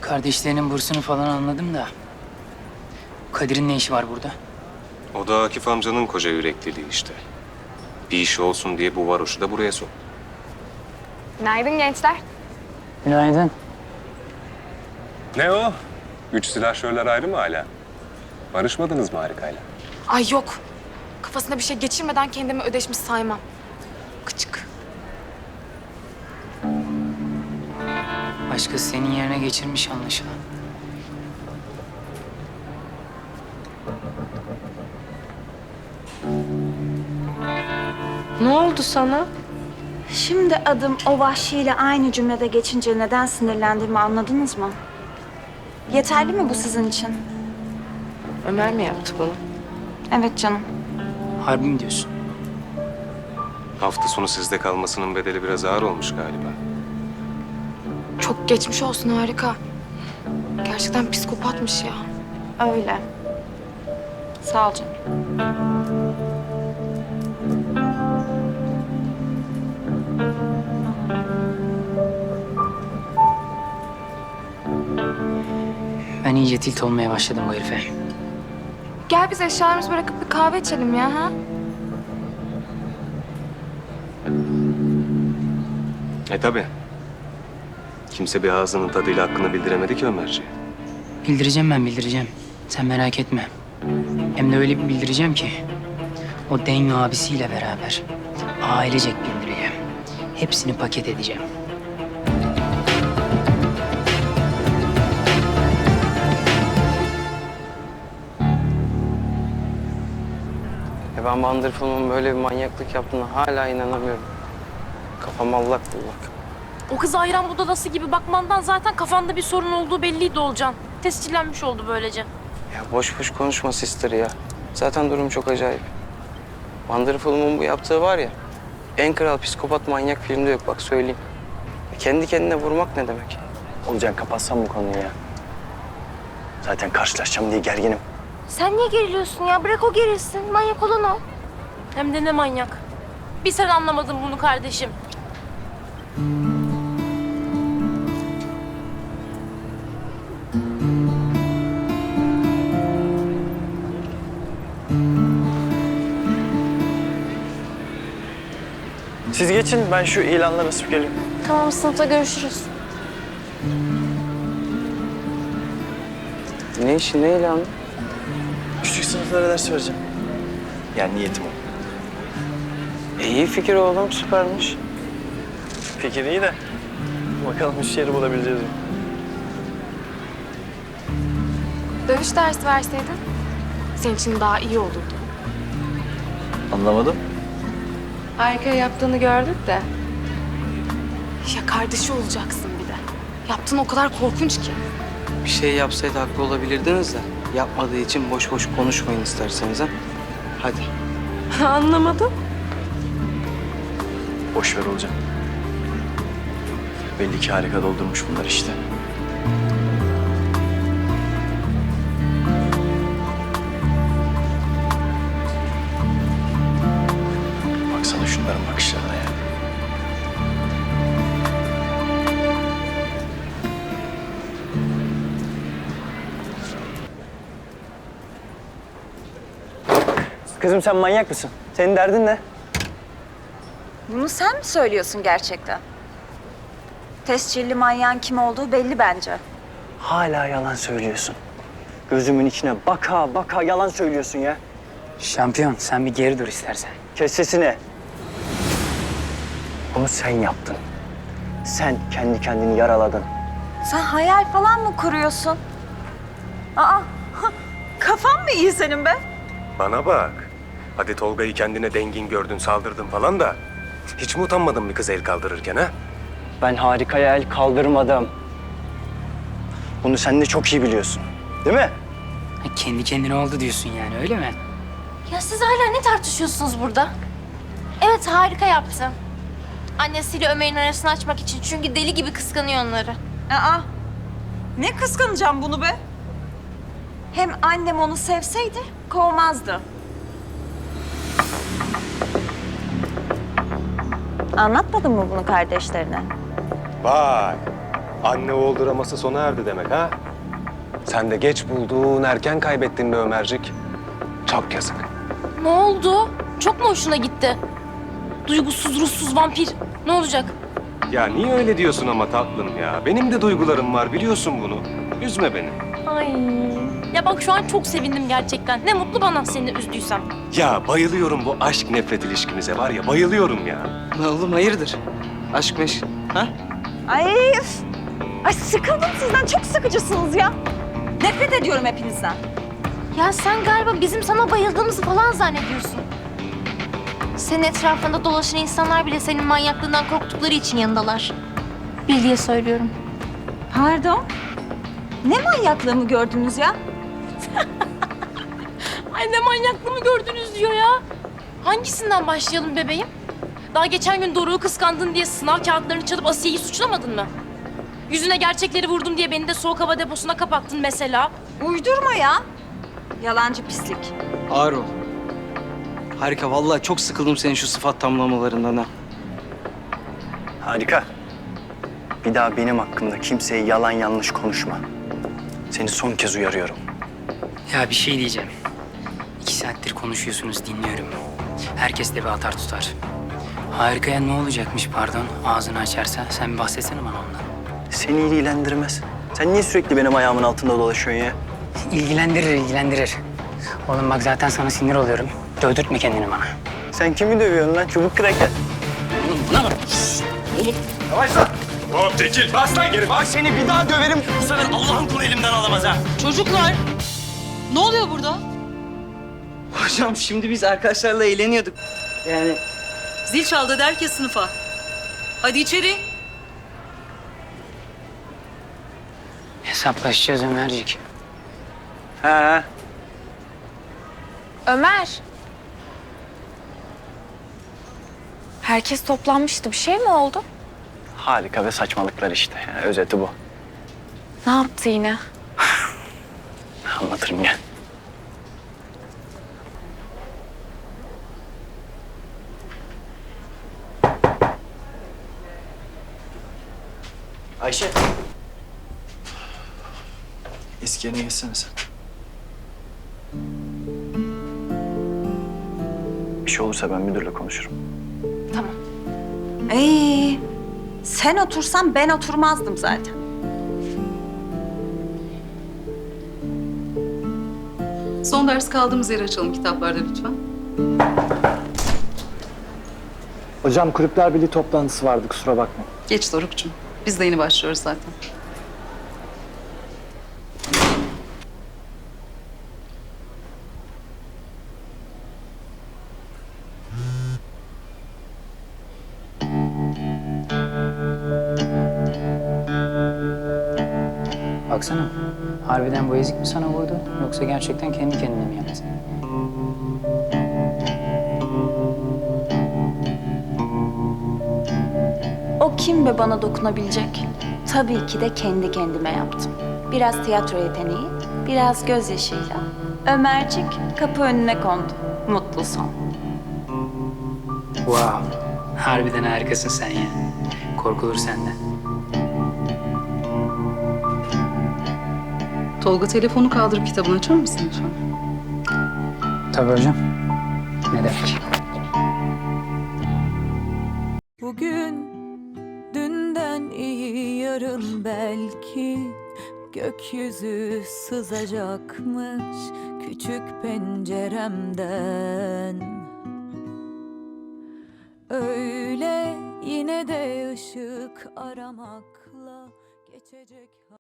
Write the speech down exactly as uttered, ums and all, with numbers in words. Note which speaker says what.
Speaker 1: Kardeşlerinin bursunu falan anladım da... Kadir'in ne işi var burada?
Speaker 2: O da Akif amcanın koca yürekliliği işte. Bir işi olsun diye bu varoşu da buraya sok.
Speaker 3: Günaydın gençler.
Speaker 1: Günaydın.
Speaker 2: Ne o? Üç silahşörler ayrı mı hala? Barışmadınız mı Harika'yla?
Speaker 3: Ay yok. Kafasına bir şey geçirmeden kendimi ödeşmiş saymam. Kıçık.
Speaker 1: Başkası senin yerine geçirmiş anlaşılan.
Speaker 3: Ne oldu sana?
Speaker 4: Şimdi adım o vahşiyle aynı cümlede geçince neden sinirlendiğimi anladınız mı? Yeterli mi bu sizin için?
Speaker 3: Ömer mi yaptı bunu?
Speaker 4: Evet canım.
Speaker 1: Harbi mi diyorsun?
Speaker 2: Hafta sonu sizde kalmasının bedeli biraz ağır olmuş galiba.
Speaker 3: Çok geçmiş olsun Harika. Gerçekten psikopatmış ya.
Speaker 4: Öyle. Sağ ol canım.
Speaker 1: Ben iyice tilt olmaya başladım bu herife.
Speaker 3: Gel biz eşyalarımızı bırakıp bir kahve içelim ya ha?
Speaker 2: E tabii. Kimse bir ağzının tadıyla hakkını bildiremedi ki Ömerciğe.
Speaker 1: Bildireceğim ben bildireceğim. Sen merak etme. Hem de öyle bir bildireceğim ki... ...o Denyo abisiyle beraber ailecek bildireceğim. Hepsini paket edeceğim.
Speaker 5: Ya ben Wonderful'un böyle bir manyaklık yaptığına hala inanamıyorum. Kafam allak bullak.
Speaker 6: O kız ayran budalası gibi bakmandan zaten kafanda bir sorun olduğu belliydi Olcan. Tescillenmiş oldu böylece.
Speaker 5: Ya boş boş konuşma sister ya. Zaten durum çok acayip. Wonderful'un bu yaptığı var ya... ...en kral psikopat manyak filmde yok bak söyleyeyim. Ya kendi kendine vurmak ne demek?
Speaker 7: Olcan kapatsan bu konuyu ya. Zaten karşılaşacağım diye gerginim.
Speaker 6: Sen niye geriliyorsun ya? Bırak o gerilsin. Manyak olan o. Hem de ne manyak. Bir sen anlamadın bunu kardeşim.
Speaker 7: Siz geçin, ben şu ilanları asıp geleyim.
Speaker 6: Tamam, sınıfta görüşürüz.
Speaker 5: Ne işi ne ilanı?
Speaker 7: Küçük sınıflara ders vereceğim. Yani niyetim o.
Speaker 5: E, iyi fikir oğlum süpermiş.
Speaker 7: Fikir iyi de bakalım iş yeri bulabileceğiz mi?
Speaker 3: Dövüş dersi verseydin senin için daha iyi olurdu.
Speaker 7: Anlamadım.
Speaker 3: Harika yaptığını gördük de. Ya kardeşi olacaksın bir de. Yaptığın o kadar korkunç ki.
Speaker 5: Bir şey yapsaydı haklı olabilirdiniz de... ...yapmadığı için boş boş konuşmayın isterseniz ha. Hadi.
Speaker 6: Anlamadım.
Speaker 7: Boş ver Olcan. Belli ki harika doldurmuş bunlar işte. Baksana şunların bakışlarına ya. Kızım sen manyak mısın? Senin derdin ne?
Speaker 4: Bunu sen mi söylüyorsun gerçekten? Tescilli manyağın kim olduğu belli bence.
Speaker 7: Hala yalan söylüyorsun. Gözümün içine baka baka yalan söylüyorsun ya.
Speaker 1: Şampiyon sen bir geri dur istersen.
Speaker 7: Kes sesini. Bunu sen yaptın. Sen kendi kendini yaraladın.
Speaker 4: Sen hayal falan mı kuruyorsun? Aa, kafan mı iyi senin be?
Speaker 2: Bana bak. Hadi Tolga'yı kendine dengin gördün, saldırdın falan da... ...hiç mi utanmadın bir kız el kaldırırken ha?
Speaker 7: Ben harikaya el kaldırmadım. Bunu sen de çok iyi biliyorsun. Değil mi?
Speaker 1: Ha, kendi kendine oldu diyorsun yani öyle mi?
Speaker 6: Ya siz hala ne tartışıyorsunuz burada? Evet, harika yaptı. Annesiyle Ömer'in arasını açmak için. Çünkü deli gibi kıskanıyor onları.
Speaker 4: Aa, ne kıskanacağım bunu be? Hem annem onu sevseydi kovmazdı. Anlatmadın mı bunu kardeşlerine?
Speaker 2: Vay. Anne oğul draması sona erdi demek ha? Sen de geç buldun, erken kaybettin be Ömercik. Çok yazık.
Speaker 6: Ne oldu? Çok mu hoşuna gitti? Duygusuz, ruhsuz vampir. Ne olacak?
Speaker 2: Ya niye öyle diyorsun ama tatlım ya? Benim de duygularım var, biliyorsun bunu. Üzme beni.
Speaker 6: Ay. Ya bak şu an çok sevindim gerçekten. Ne mutlu bana seni üzdüysem.
Speaker 2: Ya bayılıyorum bu aşk nefret ilişkimize var ya, bayılıyorum ya.
Speaker 5: Ne oğlum hayırdır? Aşk meşk. Ha?
Speaker 4: Ay, üf. Ay sıkıldım sizden. Çok sıkıcısınız ya. Nefret ediyorum hepinizden.
Speaker 6: Ya sen galiba bizim sana bayıldığımızı falan zannediyorsun. Senin etrafında dolaşan insanlar bile senin manyaklığından korktukları için yanındalar. Bil diye söylüyorum.
Speaker 4: Pardon. Ne manyaklığımı gördünüz ya?
Speaker 6: Ay ne manyaklığımı gördünüz diyor ya. Hangisinden başlayalım bebeğim? Daha geçen gün Doruk'u kıskandın diye sınav kağıtlarını çalıp Asiye'yi suçlamadın mı? Yüzüne gerçekleri vurdum diye beni de soğuk hava deposuna kapattın mesela.
Speaker 4: Uydurma ya. Yalancı pislik.
Speaker 5: Ağır ol. Harika. Vallahi çok sıkıldım senin şu sıfat tamlamalarından ha.
Speaker 7: Harika. Bir daha benim hakkımda kimseye yalan yanlış konuşma. Seni son kez uyarıyorum.
Speaker 1: Ya bir şey diyeceğim. İki saattir konuşuyorsunuz, dinliyorum. Herkes de bir atar tutar. Harikaya ne olacakmış pardon, ağzını açarsa? Sen bir bahsetsene bana ondan.
Speaker 7: Seni ilgilendirmez. Sen niye sürekli benim ayağımın altında dolaşıyorsun ya?
Speaker 1: İlgilendirir, ilgilendirir. Oğlum bak zaten sana sinir oluyorum. Dövdürtme kendini bana.
Speaker 7: Sen kimi dövüyorsun lan? Çubuk kraker.
Speaker 1: Oğlum buna bak.
Speaker 2: Yavaş lan! Hop Tekil, bas lan geri, bas!
Speaker 7: Seni bir daha döverim. Bu sefer Allah'ın kulu elimden alamaz ha.
Speaker 8: Çocuklar, ne oluyor burada?
Speaker 5: Hocam şimdi biz arkadaşlarla eğleniyorduk. Yani
Speaker 8: Zil çaldı der ki sınıfa. Hadi içeri.
Speaker 1: Hesaplaşacağız Ömercik.
Speaker 7: Ha.
Speaker 3: Ömer. Herkes toplanmıştı. Bir şey mi oldu?
Speaker 7: Harika ve saçmalıklar işte. Yani özeti bu.
Speaker 3: Ne yaptı yine?
Speaker 7: Anlatırım gel. Ayşe. Eski yerine geçsene sen. Bir şey olursa ben müdürle konuşurum.
Speaker 3: Tamam.
Speaker 4: Ay, sen otursan ben oturmazdım zaten.
Speaker 8: Son ders kaldığımız yere açalım kitaplarda lütfen.
Speaker 9: Hocam Kulüpler Birliği toplantısı vardı, kusura bakmayın.
Speaker 8: Geç Doruk'cum. Biz de yeni başlıyoruz zaten.
Speaker 1: Baksana, harbiden bu ezik mi sana vurdu? Yoksa gerçekten kendi kendine mi yaptı?
Speaker 4: O kim be bana dokunabilecek? Tabii ki de kendi kendime yaptım. Biraz tiyatro yeteneği, biraz gözyaşıyla. Ömercik kapı önüne kondu. Mutlu son.
Speaker 1: Wow, harbiden harikasın sen ya. Korkulur senden.
Speaker 8: Tolga telefonu kaldırıp kitabını açar mısın lütfen?
Speaker 1: Tabii hocam. Ne demek?
Speaker 10: Bugün dünden iyi yarın belki gökyüzü sızacakmış küçük penceremden. Öyle yine de ışık aramakla geçecek.